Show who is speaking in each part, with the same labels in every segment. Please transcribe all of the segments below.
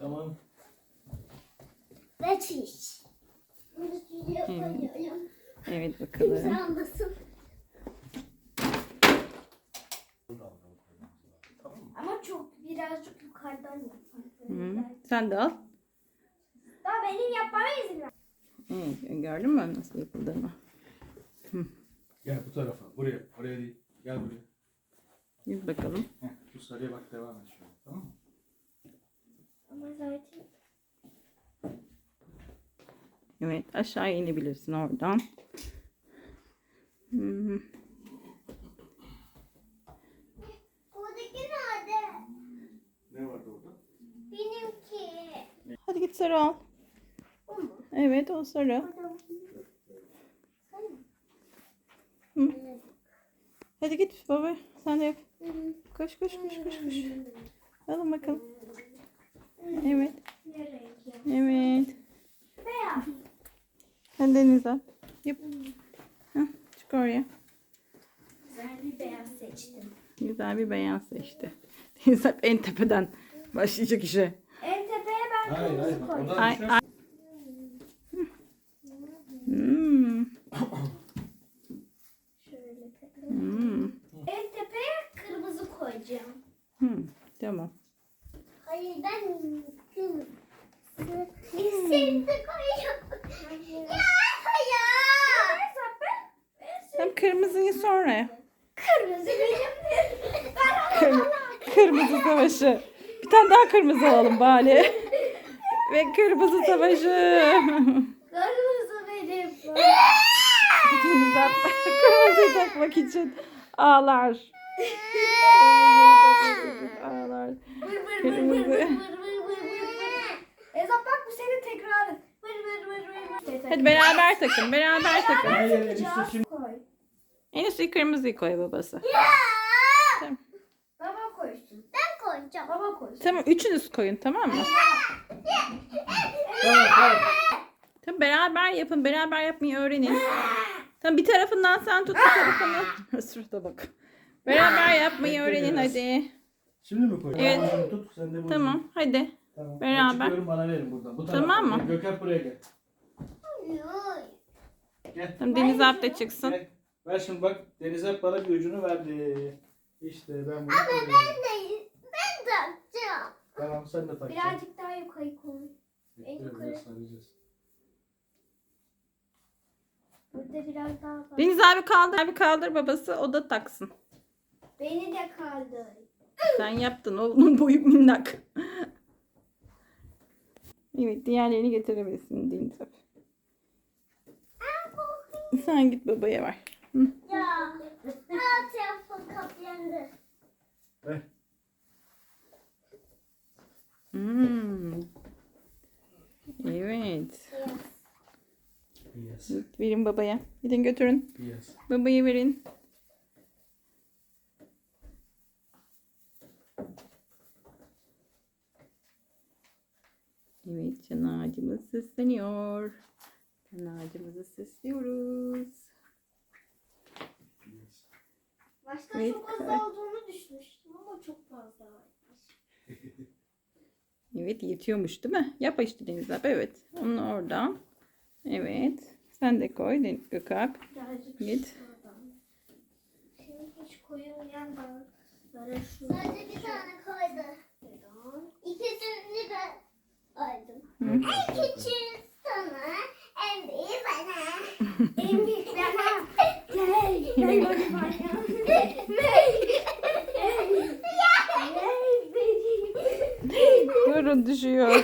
Speaker 1: Tamam.
Speaker 2: Ve çiş. Bunu stüdyoya koyuyorum.
Speaker 3: Evet
Speaker 2: Kimse
Speaker 3: bakalım.
Speaker 2: almasın.
Speaker 1: Tamam mı?
Speaker 2: Ama çok birazcık yukarıdan yapalım.
Speaker 3: Hı. Sen de al.
Speaker 2: Daha benim yapmama izin ver.
Speaker 3: Evet, gördün mü nasıl yapıldığını?
Speaker 1: Gel bu tarafa. Buraya. Oraya değil. Gel buraya.
Speaker 3: Git bakalım.
Speaker 1: Heh, şu sarıya bak, devam et şöyle. Tamam mı?
Speaker 2: Ama zaten
Speaker 3: Evet, aşağı inebilirsin oradan. Hı.
Speaker 2: buradaki nerede?
Speaker 1: Ne vardı orada?
Speaker 2: Benimki.
Speaker 3: Hadi git sarı al.
Speaker 2: O mu?
Speaker 3: Evet, o sarı.
Speaker 2: Sen mi?
Speaker 3: Hı. Hadi git baba, sen de yap.
Speaker 2: Hı hı.
Speaker 3: Koş koş koş koş koş. Alın bakalım. Evet,
Speaker 2: Ne renk ya?
Speaker 3: evet.
Speaker 2: Beyaz.
Speaker 3: Hadi Deniz al. Yap. Hah, çık oraya.
Speaker 2: Güzel bir beyaz seçtim.
Speaker 3: Güzel bir beyaz seçti. Deniz hep en tepeden başlayacak işe.
Speaker 2: En tepeye ben
Speaker 1: Hayır
Speaker 2: kırmızı
Speaker 1: hayır.
Speaker 2: koydum.
Speaker 1: Oradan
Speaker 3: Ay,
Speaker 1: düşersin.
Speaker 3: ay. Hmm.
Speaker 2: Şöyle tepeye.
Speaker 3: Hmm.
Speaker 2: En tepeye kırmızı koyacağım.
Speaker 3: Hmm. Tamam.
Speaker 2: Hayır ben kırmızı. Seni de koyuyorum. Ya hayır.
Speaker 3: Tam kırmızıyı sonra yap.
Speaker 2: Kırmızı benimdir.
Speaker 3: Kırmızı savaşı. Bir tane daha kırmızı alalım bari. Ve kırmızı savaşı.
Speaker 2: Kırmızı benim.
Speaker 3: Deniz abla kırmızıyı takmak için ağlar. Ağlar. Kırmızı.
Speaker 2: Ezap bak bu senin tekrarın. Vır vır vır vır.
Speaker 3: Hadi beraber takın. Beraber takın.
Speaker 1: Hayır enişte şimdi.
Speaker 2: Koy.
Speaker 3: En üstü kırmızıyı koy babası. Tamam.
Speaker 2: Baba koysun. Ben koyacağım. Baba koysun.
Speaker 3: Tamam, üçünüz koyun, tamam mı?
Speaker 1: Tamam tamam.
Speaker 3: Tamam, beraber yapın. Beraber yapmayı öğrenin. Tamam, bir tarafından sen tut, bir tarafını. Sırada bak. Beraber yapmayı öğrenin hadi.
Speaker 1: Şimdi mi koy?
Speaker 3: Evet.
Speaker 1: Tamam, tut. Sen de bunu.
Speaker 3: Tamam, hadi.
Speaker 1: Tamam.
Speaker 3: Beraber.
Speaker 1: Ben çıkıyorum, bana verin buradan. Bu tarafa.
Speaker 3: Tamam mı?
Speaker 1: Gökhan buraya gel. Gel.
Speaker 3: Tamam, Deniz abi de çıksın.
Speaker 1: Gel. Ver şimdi bak. Deniz hep bana bir ucunu verdi. İşte ben bunu koyuyorum.
Speaker 2: Ben takacağım.
Speaker 1: Tamam sen de tak.
Speaker 2: Birazcık daha yukarı koy. en
Speaker 1: Biraz
Speaker 2: yukarı.
Speaker 1: saracağız.
Speaker 2: Burada biraz daha var.
Speaker 3: Deniz abi kaldır. Abi kaldır babası, o da taksın.
Speaker 2: Beni de kaldır.
Speaker 3: Sen yaptın, oğlum boyu minnak. Evet, diğerlerini getirebilirsin Deniz abi. Sen git babaya ver. Hı.
Speaker 2: Ya. Alt tarafı kaplandı.
Speaker 1: Ver.
Speaker 3: Hmm. Evet.
Speaker 1: Yes.
Speaker 3: Verin babaya. Gidin götürün.
Speaker 1: Yes.
Speaker 3: Babaya verin. Evet, can ağacımız süsleniyor. Can ağacımızı süslüyoruz.
Speaker 1: Yes.
Speaker 2: Başta
Speaker 3: Evet,
Speaker 2: çok az
Speaker 3: evet.
Speaker 2: olduğunu düşünmüştüm ama çok fazla varmış.
Speaker 3: Evet, yetiyormuş değil mi? Yap işte Deniz abi. Evet. Onu oradan. Evet. Sen de koy Gökalp.
Speaker 2: Birazcık
Speaker 3: Git.
Speaker 2: şuradan. Şimdi hiç koyulmayan balıklara şuradan. Sadece bir tane koydu. Neden? İkisini ben koydum.
Speaker 3: Hı.
Speaker 2: En küçüğü sana, en büyüğü bana. En büyük bana. Gel, gel bana.
Speaker 3: Durun, düşüyor.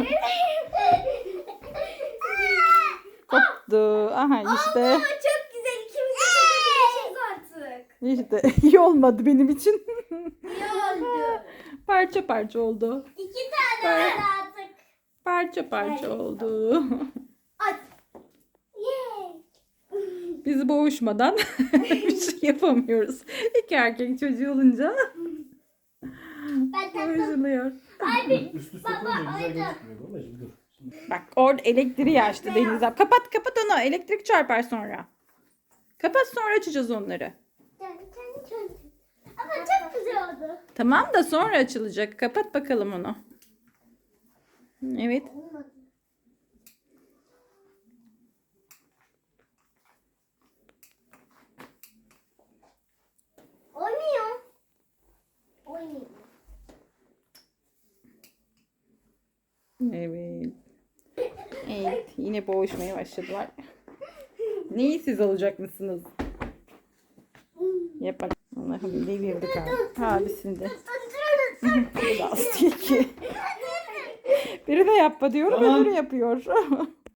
Speaker 3: Koptu. Aha işte.
Speaker 2: Aa, çok güzel. İkimiz de çekebileceğiz artık.
Speaker 3: İşte iyi olmadı benim için.
Speaker 2: İyi oldu.
Speaker 3: Parça parça oldu.
Speaker 2: 2 tane var artık.
Speaker 3: Parça parça oldu.
Speaker 2: At. Yay.
Speaker 3: Biz boğuşmadan bir şey yapamıyoruz. İki erkek çocuğu olunca
Speaker 2: Ben taktım.
Speaker 3: boğuşuluyor.
Speaker 1: Üst üste koyunca güzel gözükmüyor babacığım, dur. Şimdi
Speaker 3: Bak orada elektriği açtı Deniz abi. Kapat kapat onu. Elektrik çarpar sonra. Kapat, sonra açacağız onları.
Speaker 2: Ama çok güzel oldu.
Speaker 3: Tamam da sonra açılacak. Kapat bakalım onu. Evet.
Speaker 2: Olmadı. Oynuyor. Oynuyor.
Speaker 3: Evet. Evet. Yine boğuşmaya başladılar. Neyi siz alacak mısınız? Yapalım. Allah'ım devirdik abi. Abisini de. Bu da astı ki. Biri de yapma diyorum,
Speaker 1: Tamam.
Speaker 3: öbürü yapıyor.